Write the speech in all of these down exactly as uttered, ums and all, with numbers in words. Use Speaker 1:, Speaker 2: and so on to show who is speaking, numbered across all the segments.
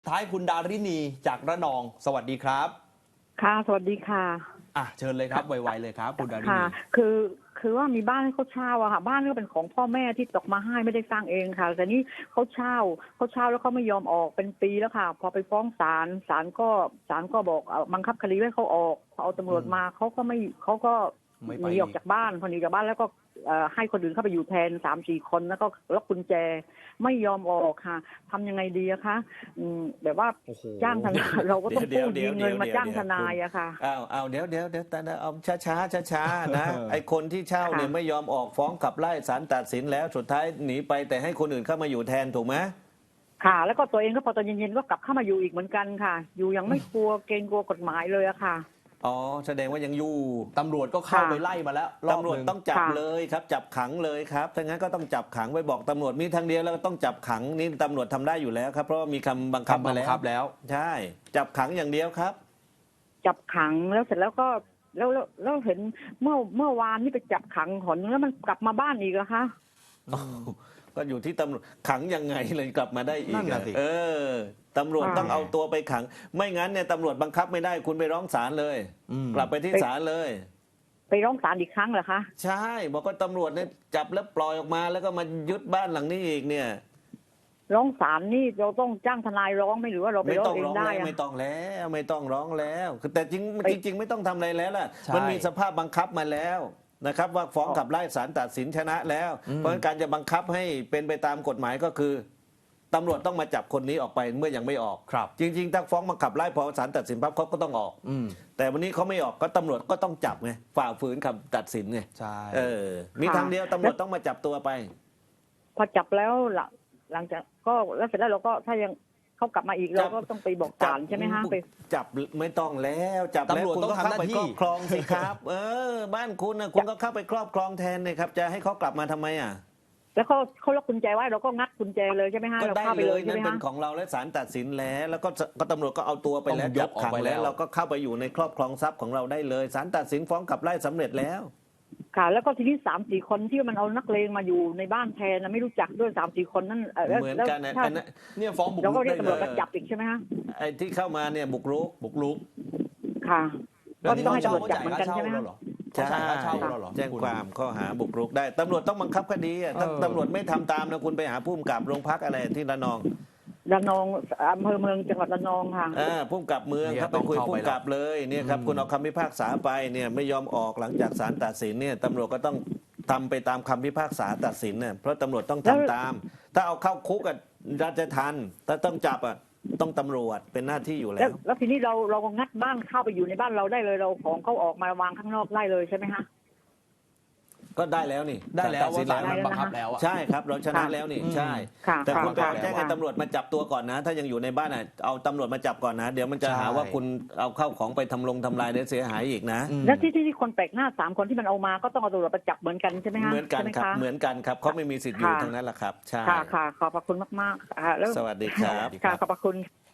Speaker 1: ท้ายคุณดารินีจากระนอง สวัสดีครับ
Speaker 2: ค่ะสวัสดีค่ะ
Speaker 1: อ่ะเชิญเลยครับไวๆเลยครับคุณดารินี
Speaker 2: ค่ะคือคือว่ามีบ้านให้เขาเช่าอะค่ะบ้านก็เป็นของพ่อแม่ที่ตกมาให้ไม่ได้สร้างเองค่ะแต่นี่เขาเช่าเขาเช่าแล้วเขาไม่ยอมออกเป็นปีแล้วค่ะพอไปฟ้องศาลศาลก็ศาลก็บอกเอ่อบังคับคดีให้เขาออกพอเอาตำรวจมาเขาก็ไม่เขาก็หนีออกจากบ้านพอหนีจากบ้านแล้วก็ให้คนอื่นเข้าไปอยู่แทนสามสี่คนแล้วก็ล็อกกุญแจไม่ยอมออกค่ะทำยังไงดีอะคะแบบว่าจ้างทนายเราก็ต้องกู้ยืมเงินมาจ้างทนายอะค่ะ
Speaker 3: อ้าวอ้าวเดี๋ยวเดี๋ยวเดี๋ยวแต่เอาช้าช้าช้าช้านะไอคนที่เช่าเนี่ยไม่ยอมออกฟ้องขับไล่ศาลตัดสินแล้วสุดท้ายหนีไปแต่ให้คนอื่นเข้ามาอยู่แทนถูกไหม
Speaker 2: ค่ะแล้วก็ตัวเองก็พอตอนเย็นๆก็กลับเข้ามาอยู่อีกเหมือนกันค่ะอยู่ยังไม่กลัวเกรงกลัวกฎหมายเลยอะค่ะ
Speaker 3: อ๋อแสดงว่ายังอยู่
Speaker 1: ตำรวจก็เข้าไปไล่มาแล้ว
Speaker 3: ตำรวจต้องจับเลยครับจับขังเลยครับถ้างั้นก็ต้องจับขังไปบอกตำรวจมีทางเดียวแล้วก็ต้องจับขังนี่ตำรวจทำได้อยู่แล้วครับเพราะว่ามีคำบังคับมาแล้วใช่จับขังอย่างเดียวครับ
Speaker 2: จับขังแล้วเสร็จแล้วก็แล้วแล้วเห็นเมื่อเมื่อวานนี่ไปจับขังหนแล้วมันกลับมาบ้านอีกเหรอคะ
Speaker 3: ก็อยู่ที่ตำรวจขังยังไงเลยกลับมาได้อีกเออตำรวจต้องเอาตัวไปขังไม่งั้นเนี่ยตำรวจบังคับไม่ได้คุณไปร้องศาลเลยกลับไปที่ศาลเลย
Speaker 2: ไปร้องศาลอีกครั้งเหรอคะ
Speaker 3: ใช่บอกว่าตำรวจเนี่ยจับแล้วปล่อยออกมาแล้วก็มายึดบ้านหลังนี้อีกเนี่ย
Speaker 2: ร้องศาลนี่เราต้องจ้างทนายร้องไหมหรือว่าเราไปร้องเองได้
Speaker 3: ไม่ต้องแล้วไม่ต้องร้องแล้วแต่จริงจริงไม่ต้องทำอะไรแล้วล่ะมันมีสภาพบังคับมาแล้วนะครับว่าฟ้องขับไล่ศาลตัดสินชนะแล้วเพราะการจะบังคับให้เป็นไปตามกฎหมายก็คือตำรวจต้องมาจับคนนี้ออกไปเมื่อยังไม่ออกจริงๆถ้าฟ้องมาขับไล่พอศาลตัดสินปั๊บเขาก็ต้องออกแต่วันนี้เขาไม่ออกก็ตำรวจก็ต้องจับไงฝ่าฝืนคำตัดสินไง
Speaker 1: ใช่
Speaker 3: เออมีทางเดียวตำรวจต้องมาจับตัวไป
Speaker 2: พอจับแล้วหลังจากก็แล้วเสร็จแล้วเราก็ถ้ายังเขากลับมาอีกเราก็ต้องไปบอกศาลใช่ไหมฮะไป
Speaker 3: จับไม่ต้องแล้วจับ
Speaker 1: ตำรวจต้องทำหน้าที่
Speaker 3: ครอบครองสิครับเออบ้านคุณนะคุณก็เข้าไปครอบครองแทนเลยครับจะให้เขากลับมาทำไมอ่ะ
Speaker 2: แล้วเขาเขาล็อกกุญแจไว้เราก็งัดกุญแจเลยใช่ไหมฮะ
Speaker 3: ก็ได้เลยนั่นเป็นของเราและศาลตัดสินแล้วแล้วก็ก็ตำรวจก็เอาตัวไปแล้วจับขังแล้วเราก็เข้าไปอยู่ในครอบครองทรัพย์ของเราได้เลยศาลตัดสินฟ้องขับไล่สำเร็จแล้ว
Speaker 2: ค่ะแล้วก็ทีนี้สามสี่คนที่มันเอานักเลงมาอยู่ในบ้านแทนนะไม่รู้จักด้วยสามสี่คนนั่น
Speaker 3: เหมือนกันนะ
Speaker 1: เนี่ยฟ้องบุกรุก
Speaker 2: เราก็เรียกตำรวจมาจับอีกใช่ไหมฮะ
Speaker 3: ไอ้ที่เข้ามาเนี่ยบุกรุก
Speaker 1: บุกรุก
Speaker 2: ค่ะ
Speaker 1: ก็ต้องให้ตำรวจจับเหมือนกันใช่ไหม
Speaker 3: ใช่แจ้งความข้อหาบุกรุกได้ตำรวจต้องบังคับคดีถ้าตำรวจไม่ทำตามนะคุณไปหาผู้กำกับโรงพักอะไรที่ระนอง
Speaker 2: ระนองอำเภอเมืองจังหวัดระนองค่ะ
Speaker 3: อ่าผู้กำกับเมืองครับไปคุยผู้กำกับเลยเนี่ยครับคุณเอาคำพิพากษาไปเนี่ยไม่ยอมออกหลังจากศาลตัดสินเนี่ยตำรวจก็ต้องทำไปตามคำพิพากษาตัดสินเนี่ยเพราะตำรวจต้องทำตามถ้าเอาเข้าคุกอ่ะราชทัณฑ์ถ้าต้องจับอ่ะต้องตำรวจเป็นหน้าที่อยู่แล้ว
Speaker 2: แล้วทีนี้เราเราก็งัดบ้านเข้าไปอยู่ในบ้านเราได้เลยเราของเขาออกมาวางข้างนอกได้เลยใช่ไหมฮะ
Speaker 3: ก็ได้แล้วนี่
Speaker 1: ได้แล้วว่าศาลมันบังคับแล้ว
Speaker 3: ใช่ครับเราชนะแล้วนี่ใช่แต่คุณไปแจ้งให้ตำรวจมาจับตัวก่อนนะถ้ายังอยู่ในบ้านอ่ะเอาตำรวจมาจับก่อนนะเดี๋ยวมันจะหาว่าคุณเอาเข้าของไปทำลงทำลายเสียหายอีกนะ
Speaker 2: แล้วที่ที่คนแปลกหน้าสามคนที่มันเอามาก็ต้องเอาตำรวจมาจับเหมือนกันใช่ไหมฮะ
Speaker 3: เหมือนกันครับเหมือนกันครับเขาไม่มีสิทธิ์อยู่ทั้งนั้นแหละครับใช่
Speaker 2: ค่ะค่ะขอบพระคุณมากๆค่ะแล้ว
Speaker 3: สวัสดีครับ
Speaker 2: ค่ะขอบพระคุณ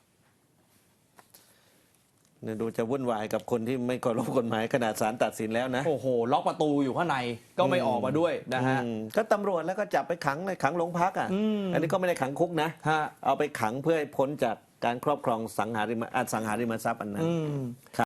Speaker 3: เนี่ยดูจะวุ่นวายกับคนที่ไม่เคารพกฎหมายขนาดศาลตัดสินแล้วนะ
Speaker 1: โอ้โหล็อกประตูอยู่ข้างในก็ไม่ออกมาด้วยนะฮะ
Speaker 3: ก็ตำรวจแล้วก็จับไปขังในขังโรงพักอ่ะอันนี้ก็ไม่ได้ขังคุกนะเอาไปขังเพื่อให้พ้นจากการครอบครองสังหาริมอสังหาริมทรัพย์อันนั้น